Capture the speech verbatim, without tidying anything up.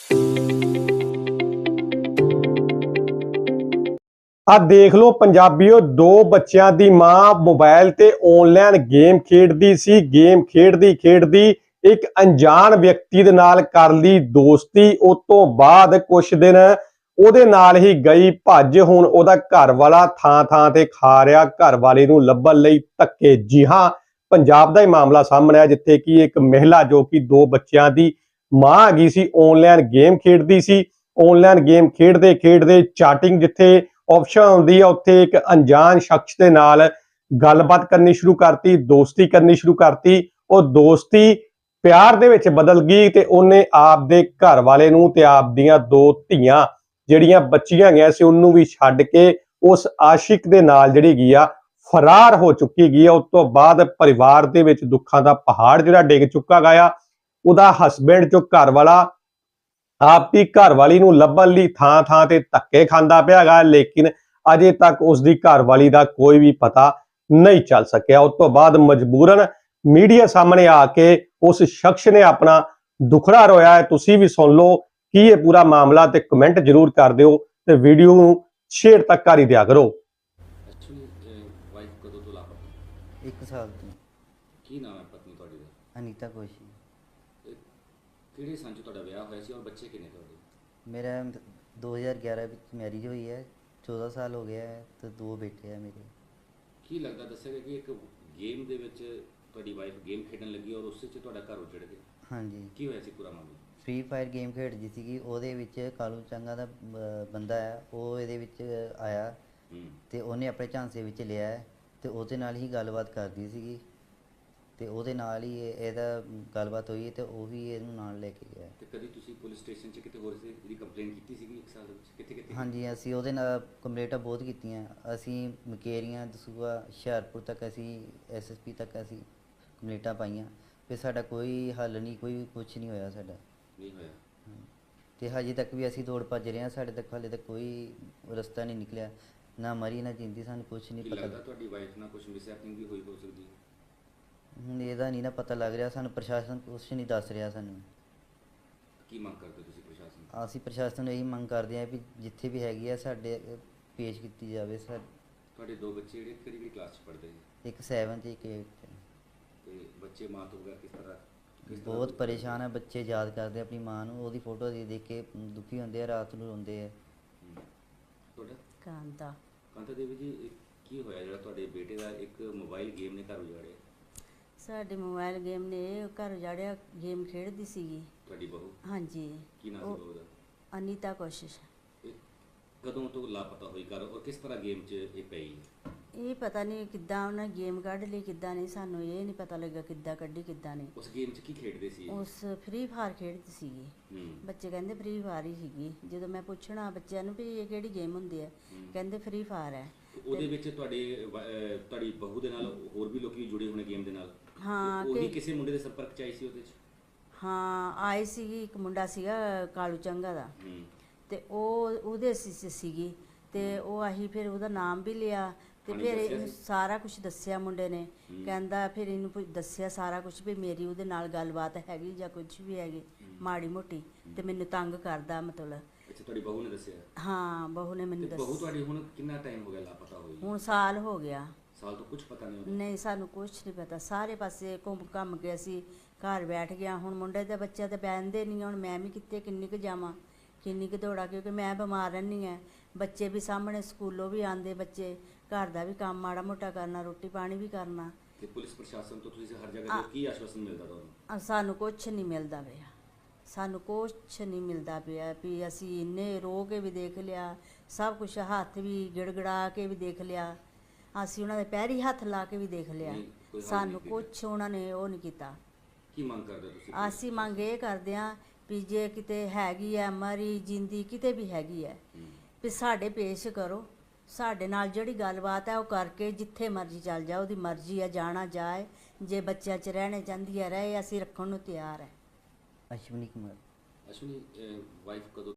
ਆ ਦੇਖ ਲਓ ਪੰਜਾਬੀਓ, ਦੋ ਬੱਚਿਆਂ ਦੀ ਮਾਂ ਮੋਬਾਈਲ ਤੇ ਆਨਲਾਈਨ ਗੇਮ ਖੇਡਦੀ ਸੀ। ਗੇਮ ਖੇਡਦੀ ਖੇਡਦੀ ਇੱਕ ਅਣਜਾਣ ਵਿਅਕਤੀ ਦੇ ਨਾਲ ਕਰ ਲਈ ਦੋਸਤੀ। ਉਸ ਤੋਂ ਬਾਅਦ ਕੁਝ ਦਿਨ ਉਹਦੇ ਨਾਲ ਹੀ ਗਈ ਭੱਜ। ਹੁਣ ਉਹਦਾ ਘਰ ਵਾਲਾ ਥਾਂ ਥਾਂ ਤੇ ਖਾ ਰਿਹਾ ਘਰ ਵਾਲੇ ਨੂੰ ਲੱਭਣ ਲਈ ਧੱਕੇ। ਜੀ ਹਾਂ, ਪੰਜਾਬ ਦਾ ਹੀ ਮਾਮਲਾ ਸਾਹਮਣੇ ਆ, ਜਿੱਥੇ ਕਿ ਇੱਕ ਮਹਿਲਾ ਜੋ ਕਿ ਦੋ ਬੱਚਿਆਂ ਦੀ ਮਾਂ ਹੈਗੀ ਸੀ, ਆਨਲਾਈਨ ਗੇਮ ਖੇਡਦੀ ਸੀ। ਆਨਲਾਈਨ ਗੇਮ ਖੇਡਦੇ ਖੇਡਦੇ ਚਾਟਿੰਗ ਜਿੱਥੇ ਆਪਸ਼ਨ ਹੁੰਦੀ ਹੈ, ਉੱਥੇ ਇੱਕ ਅਣਜਾਣ ਸ਼ਖਸ ਦੇ ਨਾਲ ਗੱਲਬਾਤ ਕਰਨੀ ਸ਼ੁਰੂ ਕਰਤੀ, ਦੋਸਤੀ ਕਰਨੀ ਸ਼ੁਰੂ ਕਰਤੀ। ਉਹ ਦੋਸਤੀ ਪਿਆਰ ਦੇ ਵਿੱਚ ਬਦਲ ਗਈ ਤੇ ਉਹਨੇ ਆਪ ਦੇ ਘਰ ਵਾਲੇ ਨੂੰ ਤੇ ਆਪ ਦੀਆਂ ਦੋ ਧੀਆਂ ਜਿਹੜੀਆਂ ਬੱਚੀਆਂ ਗਈਆਂ ਸੀ ਉਹਨੂੰ ਵੀ ਛੱਡ ਕੇ ਉਸ ਆਸ਼ਿਕ ਦੇ ਨਾਲ ਜਿਹੜੀ ਗਈ ਆ ਫਰਾਰ ਹੋ ਚੁੱਕੀ ਗਈ ਆ। ਉਸ ਤੋਂ ਬਾਅਦ ਪਰਿਵਾਰ ਦੇ ਵਿੱਚ ਦੁੱਖਾਂ ਦਾ ਪਹਾੜ ਜਿਹੜਾ ਡਿੱਗ ਚੁੱਕਾ ਗਿਆ। ਉਹਦਾ ਹਸਬੈਂਡ ਜੋ ਘਰ ਵਾਲਾ ਆਪ ਦੀ ਘਰਵਾਲੀ ਨੂੰ ਲੱਭਣ ਲਈ ਥਾਂ ਥਾਂ ਤੇ ਧੱਕੇ ਖਾਂਦਾ ਪਿਆ ਹੈਗਾ, ਲੇਕਿਨ ਅਜੇ ਤੱਕ ਉਸ ਦੀ ਘਰਵਾਲੀ ਦਾ ਕੋਈ ਵੀ ਪਤਾ ਨਹੀਂ ਚੱਲ ਸਕਿਆ। ਉਸ ਤੋਂ ਬਾਅਦ ਮਜਬੂਰਨ ਮੀਡੀਆ ਸਾਹਮਣੇ ਆ ਕੇ ਉਸ ਸ਼ਖਸ ਨੇ ਆਪਣਾ ਦੁਖੜਾ ਰੋਇਆ ਹੈ। ਤੁਸੀਂ ਵੀ ਸੁਣ ਲਓ ਕੀ ਇਹ ਪੂਰਾ ਮਾਮਲਾ ਤੇ ਕਮੈਂਟ ਜ਼ਰੂਰ ਕਰ ਦਿਓ ਤੇ ਵੀਡੀਓ ਨੂੰ ਸ਼ੇਅਰ ਤੱਕ ਕਰ ਹੀ ਦਿਆ ਕਰੋ। ਐਕਚੁਅਲੀ ਵਾਈਫ ਕਦੋਂ ਤੋਂ ਲਾਪਤਾ? ਇੱਕ ਸਾਲ ਤੋਂ। ਕੀ ਨਾਮ ਹੈ ਪਤਨੀ ਤੁਹਾਡੀ ਦਾ? ਅਨੀਤਾ ਕੋਸ਼ੀ। ਤੇ ਕਿਹੜੇ ਸੰਨ 'ਚ ਤੁਹਾਡਾ ਵਿਆਹ ਹੋਇਆ ਸੀ ਔਰ ਬੱਚੇ ਕਿੰਨੇ ਤੁਹਾਡੇ? ਮੇਰਾ ਦੋ ਹਜ਼ਾਰ ਗਿਆਰਾਂ ਵਿੱਚ ਮੈਰਿਜ ਹੋਈ ਹੈ, ਚੌਦਾਂ ਸਾਲ ਹੋ ਗਿਆ ਹੈ ਤੇ ਦੋ ਬੇਟੇ ਆ ਮੇਰੇ। ਕੀ ਲੱਗਦਾ, ਦੱਸਿਆ ਕਿ ਇੱਕ ਗੇਮ ਦੇ ਵਿੱਚ ਤੁਹਾਡੀ ਵਾਈਫ ਗੇਮ ਖੇਡਣ ਲੱਗੀ ਔਰ ਉਸੇ 'ਚ ਤੁਹਾਡਾ ਘਰ ਉਜੜ ਗਿਆ? ਹਾਂਜੀ। ਕੀ ਹੋਇਆ ਸੀ ਪੂਰਾ ਮਾਮਲਾ? ਫ੍ਰੀ ਫਾਇਰ ਗੇਮ ਖੇਡਦੀ ਸੀਗੀ, ਉਹਦੇ ਵਿੱਚ ਕਾਲੂ ਚੰਗਾ ਦਾ ਬ- ਬੰਦਾ ਹੈ, ਉਹ ਇਹਦੇ ਵਿੱਚ ਆਇਆ ਹੂੰ। ਤੇ ਉਹਨੇ ਆਪਣੇ ਝਾਂਸੇ ਵਿੱਚ ਲਿਆ ਹੈ ਤੇ ਉਹਦੇ ਨਾਲ ਹੀ ਗੱਲਬਾਤ ਕਰਦੀ ਸੀਗੀ ਤੇ ਉਹਦੇ ਨਾਲ ਹੀ ਇਹ- ਇਹਦਾ ਗੱਲਬਾਤ ਹੋਈ ਤੇ ਉਹ ਵੀ ਇਹਨੂੰ ਨਾਲ ਲੈ ਕੇ ਗਿਆ। ਤੇ ਕਦੀ ਤੁਸੀਂ ਪੁਲਿਸ ਸਟੇਸ਼ਨ 'ਚ ਕਿਤੇ ਹੋਰ ਸੀ ਇਹਦੀ ਕੰਪਲੇਂਟ ਕੀਤੀ ਸੀਗੀ ਇੱਕ ਸਾਲ ਦੇ ਵਿੱਚ? ਕਿੱਥੇ ਕਿੱਥੇ? ਹਾਂਜੀ, ਅਸੀਂ ਉਹਦੇ ਨਾਲ ਕੰਪਲੇਂਟਾਂ ਬਹੁਤ ਕੀਤੀਆਂ। ਅਸੀਂ ਮਕੇਰੀਆਂ, ਦਸੂਆ, ਹੁਸ਼ਿਆਰਪੁਰ ਤੱਕ ਅਸੀਂ ਐਸ ਐਸ ਪੀ ਤੱਕ ਅਸੀਂ ਕੰਪਲੇਂਟਾਂ ਪਾਈਆਂ, ਫਿਰ ਸਾਡਾ ਕੋਈ ਹੱਲ ਨਹੀਂ, ਕੋਈ ਕੁਛ ਨਹੀਂ ਹੋਇਆ ਸਾਡਾ। ਨਹੀਂ ਹੋਇਆ? ਤੇ ਹਜੇ ਤੱਕ ਵੀ ਅਸੀਂ ਦੌੜ ਭੱਜ ਰਹੇ ਹਾਂ, ਸਾਡੇ ਤੱਕ ਹਾਲੇ ਤੱਕ ਕੋਈ ਰਸਤਾ ਨਹੀਂ ਨਿਕਲਿਆ, ਨਾ ਮਰੀ ਨਾ ਜਿੰਦੀ, ਸਾਨੂੰ ਕੁਛ ਨਹੀਂ ਕੀ ਪਤਾ। ਲੱਗਦਾ ਤੁਹਾਡੀ ਵਾਈਫ ਨਾਲ ਕੁਝ ਮਿਸਹੈਪਨਿੰਗ ਵੀ ਹੋਈ ਹੋ ਸਕਦੀ ਹੈ? ਹੁਣ ਇਹਦਾ ਨਹੀਂ ਨਾ ਪਤਾ ਲੱਗ ਰਿਹਾ, ਸਾਨੂੰ ਪ੍ਰਸ਼ਾਸਨ ਕੁਛ ਨਹੀਂ ਦੱਸ ਰਿਹਾ ਸਾਨੂੰ। ਕੀ ਮੰਗ ਕਰਦੇ ਹੋ ਤੁਸੀਂ ਪ੍ਰਸ਼ਾਸਨ ਤੋਂ? ਅਸੀਂ ਪ੍ਰਸ਼ਾਸਨ ਨੂੰ ਇਹੀ ਮੰਗ ਕਰਦੇ ਹਾਂ ਵੀ ਜਿੱਥੇ ਵੀ ਹੈਗੀ ਆ ਸਾਡੇ ਪੇਸ਼ ਕੀਤੀ ਜਾਵੇ। ਸਾ ਤੁਹਾਡੇ ਦੋ ਬੱਚੇ ਜਿਹੜੇ ਕਿਹੜੀ ਕਿਹੜੀ ਕਲਾਸ 'ਚ ਪੜ੍ਹਦੇ ਨੇ? ਇੱਕ ਸੈਵਨ ਤੇ ਇੱਕ ਏਟ ਤੇ। ਤੇ ਬੱਚੇ ਮਾਂ ਤੋਂ ਬਗੈਰ ਕਿਸ ਤਰ੍ਹਾਂ ਕਿਸ ਤਰ੍ਹਾਂ ਬਹੁਤ ਪਰੇਸ਼ਾਨ ਹੈ ਬੱਚੇ, ਯਾਦ ਕਰਦੇ ਆਪਣੀ ਮਾਂ ਨੂੰ, ਉਹਦੀ ਫੋਟੋ ਦੇਖ ਦੇਖ ਕੇ ਦੁਖੀ ਹੁੰਦੇ ਆ, ਰਾਤ ਨੂੰ ਰੋਂਦੇ ਆ। ਹੂੰ। ਤੁਹਾਡਾ? ਕਾਂਤਾ। ਕਾਂਤਾ ਦੇਵੀ ਜੀ, ਇਹ ਕੀ ਹੋਇਆ ਜਿਹੜਾ ਤੁਹਾਡੇ ਬੇਟੇ ਦਾ ਇੱਕ ਮੋਬਾਈਲ ਗੇਮ ਨੇ ਘਰ ਉਜਾੜਿਆ? ਸਾਡੇ ਮੋਬਾਈਲ ਗੇਮ ਨੇ ਇਹ ਘਰ ਉਜਾੜਿਆ। ਗੇਮ ਖੇਡਦੀ ਸੀਗੀ। ਤੁਹਾਡੀ ਬਹੂ? ਹਾਂਜੀ। ਕੀ ਨਾਮ ਉਹ ਸੀ ਬਹੂ ਦਾ? ਅਨੀਤਾ ਕੋਸ਼ਿਸ਼। ਇਹ ਕਦੋਂ ਤੋਂ ਲਾਪਤਾ ਹੋਈ ਘਰ ਔਰ ਕਿਸ ਤਰ੍ਹਾਂ ਗੇਮ 'ਚ ਇਹ ਪਈ? ਇਹ ਪਤਾ ਨਹੀਂ ਕਿੱਦਾਂ ਉਹਨਾਂ ਗੇਮ ਕੱਢ ਲਈ, ਕਿੱਦਾਂ ਨਹੀਂ, ਸਾਨੂੰ ਇਹ ਨਹੀਂ ਪਤਾ ਲੱਗਾ ਕਿੱਦਾਂ ਕੱਢੀ ਕਿੱਦਾਂ ਨਹੀਂ। ਉਸ ਗੇਮ 'ਚ ਕੀ ਖੇਡਦੇ ਸੀ? ਉਸ ਫ੍ਰੀ ਫਾਇਰ ਖੇਡਦੀ ਸੀਗੀ। ਹੂੰ। ਬੱਚੇ ਕਹਿੰਦੇ ਫ੍ਰੀ ਫਾਇਰ ਹੀ ਸੀਗੀ। ਜਦੋਂ ਮੈਂ ਪੁੱਛਣਾ ਬੱਚਿਆਂ ਨੂੰ ਵੀ ਇਹ ਕਿਹੜੀ ਗੇਮ ਹੁੰਦੀ ਹੈ, ਹੂੰ। ਕਹਿੰਦੇ ਫ੍ਰੀ ਫਾਇਰ ਹੈ। ਉਹਦੇ ਵਿੱਚ ਤੁਹਾਡੇ ਵ- ਅਹ ਤੁਹਾਡੀ ਬਹੂ ਦੇ ਨਾਲ ਹੋਰ ਵੀ ਲੋਕੀ ਜੁੜੇ ਹੋਣੇ ਗੇਮ ਦੇ ਨਾਲ? ਹਾਂ। ਉਹ ਵੀ ਕਿ ਕਿਸੇ ਮੁੰਡੇ ਦੇ ਸੰਪਰਕ 'ਚ ਆਈ ਸੀ ਉਹਦੇ 'ਚ? ਹਾਂ, ਆਈ ਸੀਗੀ। ਇੱਕ ਮੁੰਡਾ ਸੀਗਾ ਕਾਲੂ ਚੰਗਾ ਦਾ, ਹੂੰ। ਤੇ ਉਹ ਉਹਦੇ ਸੀ ਸੀ- ਸੀਗੀ ਤੇ ਉਹ ਆਹੀ ਫਿਰ ਉਹਦਾ ਨਾਮ ਵੀ ਲਿਆ ਤੇ ਉਹਨੇ ਫਿਰ ਦੱਸਿਆ ਇਹਨੂੰ ਸੀ? ਸਾਰਾ ਕੁਝ ਦੱਸਿਆ ਮੁੰਡੇ ਨੇ। ਹੂੰ। ਕਹਿੰਦਾ ਫਿਰ ਇਹਨੂੰ ਪੁ- ਦੱਸਿਆ ਸਾਰਾ ਕੁਝ ਵੀ ਮੇਰੀ ਉਹਦੇ ਨਾਲ ਗੱਲਬਾਤ ਹੈਗੀ ਜਾਂ ਕੁਝ ਵੀ ਹੈਗੀ ਮਾੜੀ ਮੋਟੀ, ਤੇ ਮੈਨੂੰ ਤੰਗ ਕਰਦਾ ਮਤਲਬ। ਅੱਛਾ, ਤੁਹਾਡੀ ਬਹੂ ਨੇ ਦੱਸਿਆ? ਹਾਂ, ਬਹੂ ਨੇ ਮੈਨੂੰ ਤੇ ਬਹੂ ਦੱਸ। ਤੁਹਾਡੀ ਹੁਣ ਕਿੰਨਾ ਟਾਈਮ ਹੋ ਗਿਆ ਲਾਪਤਾ ਹੋਈ? ਹੁਣ ਸਾਲ ਹੋ ਗਿਆ। ਸਾਲ ਤੋਂ ਕੁਝ ਪਤਾ ਨਹੀਂ ਹੋਇਆ? ਨਹੀਂ, ਸਾਨੂੰ ਕੁਝ ਨਹੀਂ ਪਤਾ। ਸਾਰੇ ਪਾਸੇ ਘੁੰਮ ਘੰਮ ਕੇ ਅਸੀਂ ਘਰ ਬੈਠ ਗਿਆ। ਹੁਣ ਮੁੰਡੇ ਦੇ ਬੱਚੇ ਤੇ ਬਹਿੰਦੇ ਨਹੀਂ। ਹੁਣ ਮੈਂ ਵੀ ਕਿੱਥੇ ਕਿੰਨੀ ਕੁ ਜਾਵਾਂ, ਕਿੰਨੀ ਕੁ ਦੌੜਾਂ, ਕਿਉਂਕਿ ਮੈਂ ਬਿਮਾਰ ਰਹਿੰਦੀ ਹਾਂ। ਬੱਚੇ ਵੀ ਸਾਹਮਣੇ, ਸਕੂਲੋਂ ਵੀ ਆਉਂਦੇ ਬੱਚੇ, ਘਰ ਦਾ ਵੀ ਕੰਮ ਮਾੜਾ ਮੋਟਾ ਕਰਨਾ, ਰੋਟੀ ਪਾਣੀ ਵੀ ਕਰਨਾ। ਤੇ ਪੁਲਿਸ ਪ੍ਰਸ਼ਾਸਨ ਤੋਂ ਤੁਸੀਂ ਹਰ ਜਗ੍ਹਾ ਤੇ ਕੀ ਆਸ਼ਵਾਸਨ ਮਿਲਦਾ ਤੁਹਾਨੂੰ? ਅ, ਸਾਨੂੰ ਕੁਛ ਨਹੀਂ ਮਿਲਦਾ ਪਿਆ। ਸਾਨੂੰ ਕੁਛ ਨਹੀਂ ਮਿਲਦਾ ਪਿਆ ਵੀ ਅਸੀਂ ਇੰਨੇ ਰੋ ਕੇ ਵੀ ਦੇਖ ਲਿਆ, ਸਭ ਕੁਝ ਹੱਥ ਵੀ ਗਿੜਗੜਾ ਕੇ ਵੀ ਦੇਖ ਲਿਆ, ਅਸੀਂ ਉਹਨਾਂ ਦੇ ਪੈਰੀ ਹੱਥ ਲਾ ਕੇ ਵੀ ਦੇਖ ਲਿਆ, ਨਹੀਂ, ਕੋਈ ਹੱਲ ਸਾਨੂੰ ਨਹੀਂ ਕੁਛ ਉਹਨਾਂ ਨੇ ਉਹ ਨਹੀਂ ਕੀਤਾ। ਕੀ ਮੰਗ ਕਰਦੇ ਹੋ ਤੁਸੀਂ? ਅਸੀਂ ਮੰਗ ਇਹ ਕਰਦੇ ਹਾਂ ਵੀ ਜੇ ਕਿਤੇ ਹੈਗੀ ਹੈ ਮਰੀ ਜਿੰਦੀ, ਕਿਤੇ ਵੀ ਹੈਗੀ ਹੈ, ਹੂੰ। ਵੀ ਸਾਡੇ ਪੇਸ਼ ਕਰੋ। ਸਾਡੇ ਨਾਲ ਜਿਹੜੀ ਗੱਲਬਾਤ ਹੈ ਉਹ ਕਰਕੇ ਜਿੱਥੇ ਮਰਜ਼ੀ ਚੱਲ ਜਾ, ਉਹਦੀ ਮਰਜ਼ੀ ਹੈ, ਜਾਣਾ ਜਾਏ। ਜੇ ਬੱਚਿਆਂ 'ਚ ਰਹਿਣੇ ਚਾਹੁੰਦੀ ਹੈ ਰਹੇ, ਅਸੀਂ ਰੱਖਣ ਨੂੰ ਤਿਆਰ ਹੈ। ਅਸ਼ਵਨੀ ਕੁਮਾਰ। ਅਸ਼ਵਨੀ, ਵਾਈਫ ਕਦੋਂ